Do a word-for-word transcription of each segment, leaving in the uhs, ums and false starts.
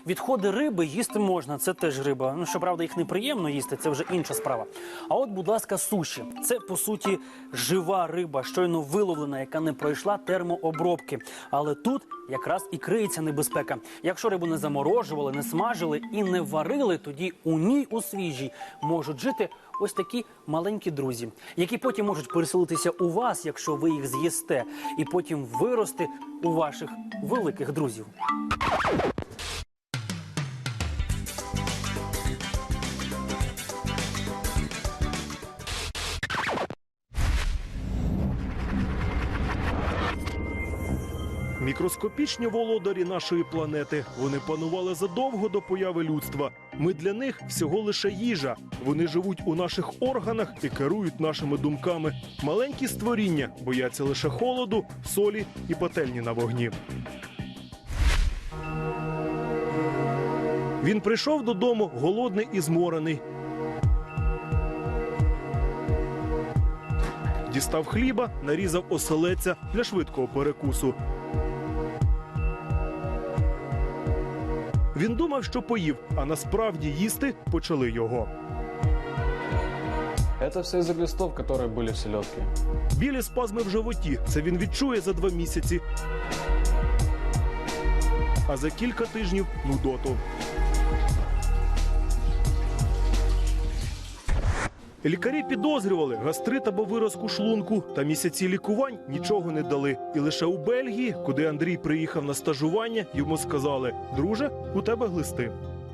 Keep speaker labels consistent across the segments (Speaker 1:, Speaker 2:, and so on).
Speaker 1: Відходи риби їсти можна, це теж риба. Ну, щоправда, їх неприємно їсти, це вже інша справа. А от, будь ласка, суші. Це, по суті, жива риба, щойно виловлена, яка не пройшла термообробки. Але тут якраз і криється небезпека. Якщо рибу не заморожували, не смажили і не варили, тоді у ній у свіжій можуть жити ось такі маленькі друзі, які потім можуть переселитися у вас, якщо ви їх з'їсте, і потім вирости у ваших великих друзів.
Speaker 2: Мікроскопічні володарі нашої планети. Вони панували задовго до появи людства. Ми для них всього лише їжа. Вони живуть у наших органах і керують нашими думками. Маленькі створіння бояться лише холоду, солі і пательні на вогні. Він прийшов додому голодний і зморений. Дістав хліба, нарізав оселедця для швидкого перекусу. Він думав, що поїв, а насправді їсти почали його.
Speaker 3: Это все из-за глистов, которые были в селедке.
Speaker 2: Білі спазми в животі – це він відчує за два місяці. А за кілька тижнів – нудоту. Лікарі підозрювали гастрит або виразку шлунку, та місяці лікувань нічого не дали. І лише у Бельгії, куди Андрій приїхав на стажування, йому сказали: «Друже, у тебе глисти».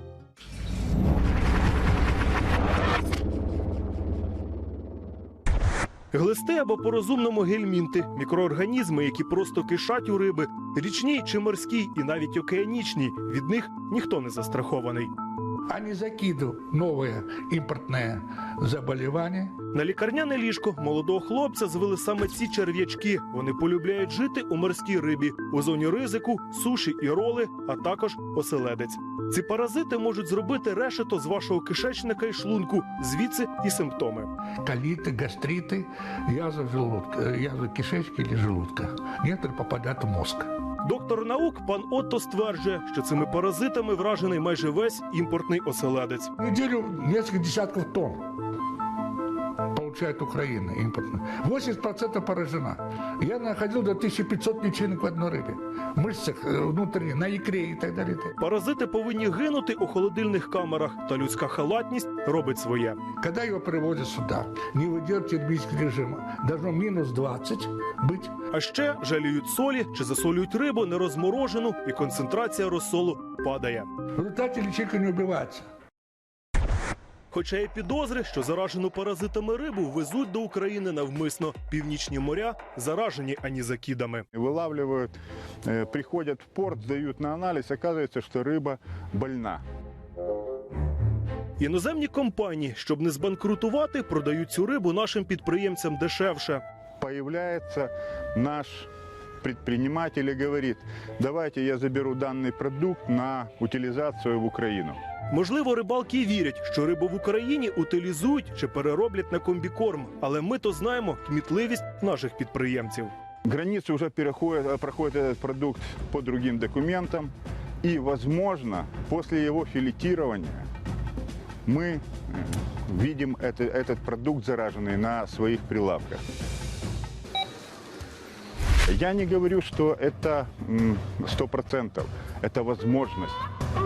Speaker 2: Глисти або по-розумному гельмінти – мікроорганізми, які просто кишать у риби, річній чи морській і навіть океанічній. Від них ніхто не застрахований.
Speaker 4: А не закидывать новые импортные заболевания.
Speaker 2: На лікарняне ліжко молодого хлопця звели саме ці черв'ячки. Вони полюбляють жити у морській рибі, у зоні ризику, суші і роли, а також оселедець. Ці паразити можуть зробити решето з вашого кишечника і шлунку, звідси і симптоми.
Speaker 4: Колиты, гастриты, язва желудка, язва кишечки или желудка. Некоторые попадают в мозг.
Speaker 2: Доктор наук пан Отто стверджує, що цими паразитами вражений майже весь імпортний оселедець.
Speaker 4: В неделю несколько десятков тонн получает Украина импортная. восемьдесят процентов поражена. Я находил до тысячи пятисот личинок в одной рыбе. В мышцах внутренних, на икре и так далее.
Speaker 2: Паразити повинні гинути у холодильних камерах, та людська халатність робить своє.
Speaker 4: Когда его привозят сюда, не выдерживает термического режима, должно минус двадцать быть.
Speaker 2: А ще жаліють солі чи засолюють рибу нерозморожену, і концентрація розсолу падає.
Speaker 4: В результате личинка не убивается.
Speaker 2: Хоча є підозри, що заражену паразитами рибу везуть до України навмисно. Північні моря заражені анізакідами.
Speaker 5: Вылавливают, э, приходят в порт, сдают на анализ, оказывается, что рыба больна.
Speaker 2: Іноземні компанії, щоб не збанкрутувати, продають цю рибу нашим підприємцям дешевше.
Speaker 5: Появляется наш предприниматель и говорит: давайте я заберу данный продукт на утилизацию в Украину.
Speaker 2: Можливо, рибалки й вірять, що рибу в Україні утилізують чи перероблять на комбікорм. Але ми то знаємо кмітливість наших підприємців.
Speaker 5: Границу уже переходит, проходит этот продукт по другим документам. И, возможно, после его филетирования мы видим это, этот продукт зараженный на своих прилавках. Я не говорю, что это сто процентов. Это возможность.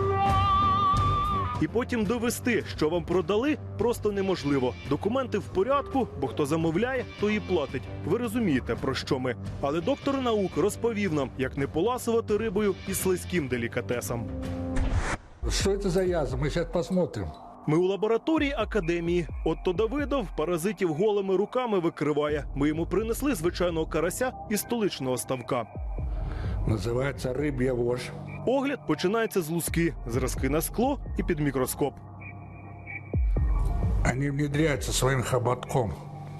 Speaker 2: І потім довести, що вам продали, просто неможливо. Документи в порядку, бо хто замовляє, то і платить. Ви розумієте, про що ми. Але доктор наук розповів нам, як не поласувати рибою і слизьким делікатесом.
Speaker 4: Что это за язва? Мы сейчас посмотрим.
Speaker 2: Ми у лабораторії академії. Отто Давидов паразитів голими руками викриває. Ми йому принесли звичайного карася із столичного ставка.
Speaker 4: Называется рыбья вошь.
Speaker 2: Огляд починається з луски, зразки на скло і під мікроскоп.
Speaker 4: Они внедряются своим хоботком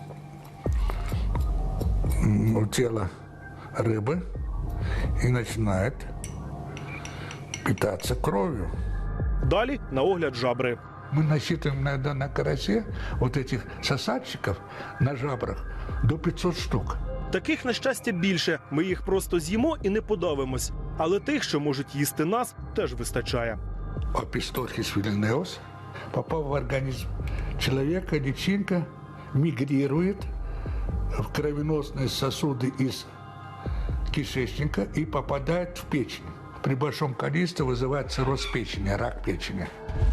Speaker 4: в тело рыбы и начинают питаться кровью.
Speaker 2: Далі на огляд жабри.
Speaker 4: Мы насчитываем иногда на карасе вот этих сосальщиков на жабрах до пятисот штук.
Speaker 2: Таких, на щастя, більше. Ми їх просто з'їмо і не подавимось. Але тих, що можуть їсти нас, теж вистачає.
Speaker 4: Опистохис вильнеус, попав в организм человека, личинка мигрирует в кровеносные сосуды из кишечника и попадает в печень. При большом количестве вызывает цирроз печени, рак печени.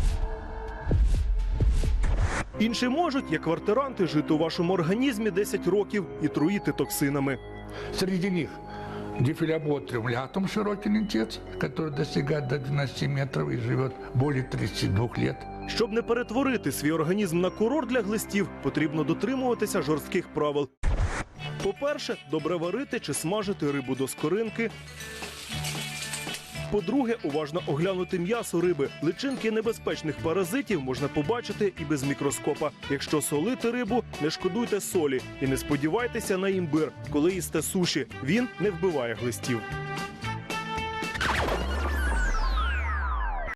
Speaker 2: Інші можуть, як квартиранти, жити у вашому організмі десять років і труїти токсинами.
Speaker 4: Среди них дифилоботриум лятум, широкий лентец, который достигает до двенадцати метров и живет более тридцати двух лет.
Speaker 2: Щоб не перетворити свій організм на курорт для глистів, потрібно дотримуватися жорстких правил. По-перше, добре варити чи смажити рибу до скоринки. По-друге, уважно оглянути м'ясо риби. Личинки небезпечних паразитів можна побачити і без мікроскопа. Якщо солити рибу, не шкодуйте солі і не сподівайтеся на імбир, коли їсте суші. Він не вбиває глистів.